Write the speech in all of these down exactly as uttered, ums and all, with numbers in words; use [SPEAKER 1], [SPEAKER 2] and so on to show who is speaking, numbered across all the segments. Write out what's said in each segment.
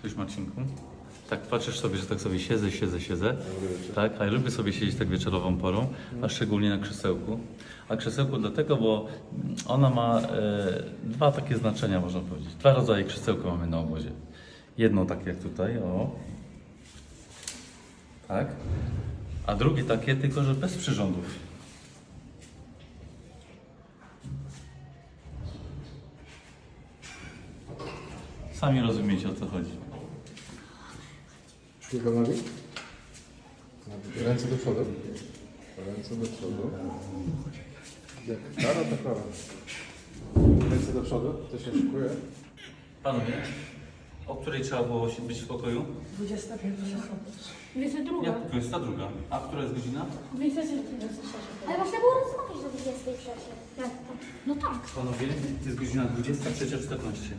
[SPEAKER 1] lubisz, Marcinku? Tak patrzysz sobie, że tak sobie siedzę, siedzę, siedzę. Tak, a ja lubię sobie siedzieć tak wieczorową porą, a szczególnie na krzesełku. A krzesełku dlatego, bo ona ma e, dwa takie znaczenia, można powiedzieć. Dwa rodzaje krzesełka mamy na obozie. Jedno takie jak tutaj, o. Tak. A drugie takie, tylko że bez przyrządów. Sami rozumiecie, o co chodzi.
[SPEAKER 2] Kilka nogi. Ręce do przodu. Ręce do przodu. Jak kara, to kara. Ręce do przodu. To się szykuje.
[SPEAKER 1] Panowie, o której trzeba było się- być w pokoju?
[SPEAKER 3] dwudziesta pierwsza.
[SPEAKER 4] dwudziesta druga.
[SPEAKER 1] Jak dwudziesta druga? A która jest godzina?
[SPEAKER 4] dwudziesta trzecia.
[SPEAKER 5] Ale można było rozmawiać do dwudziestej trzeciej.
[SPEAKER 4] Jak to? No tak.
[SPEAKER 1] Panowie, jest godzina dwudziesta trzecia czternaście.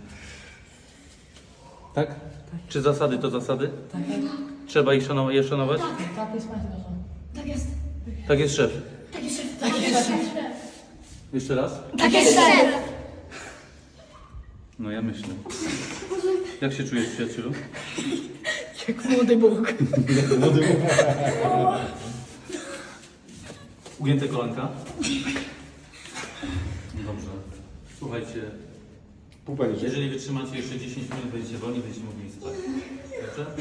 [SPEAKER 1] Tak? Czy zasady to zasady?
[SPEAKER 3] Tak,
[SPEAKER 1] Trzeba ich szanować, je szanować?
[SPEAKER 3] tak jest Państwo.
[SPEAKER 4] Tak jest.
[SPEAKER 1] Tak jest szef.
[SPEAKER 4] Tak jest.
[SPEAKER 3] Tak jest.
[SPEAKER 1] Jeszcze raz?
[SPEAKER 4] Tak jest. szef.
[SPEAKER 1] No ja myślę. Jak się czujesz, przyjacielu?
[SPEAKER 3] Jak młody Bóg.
[SPEAKER 1] Ugięte kolanka? Dobrze. Słuchajcie,
[SPEAKER 2] Pupa niżej.
[SPEAKER 1] jeżeli wytrzymacie jeszcze dziesięć minut, będziecie wolni, będziecie mogli spać. Dobrze?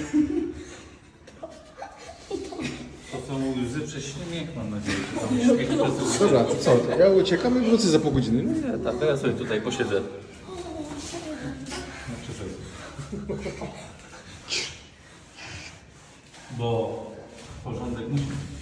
[SPEAKER 1] To są łzy przez śmiech, mam nadzieję. To są śmiech przez łzy.
[SPEAKER 2] Dobra, to co? Ja uciekam i wrócę za pół godziny. No,
[SPEAKER 1] Nie, tak, to ja sobie tutaj posiedzę. Na krzyżu. Bo porządek musi być.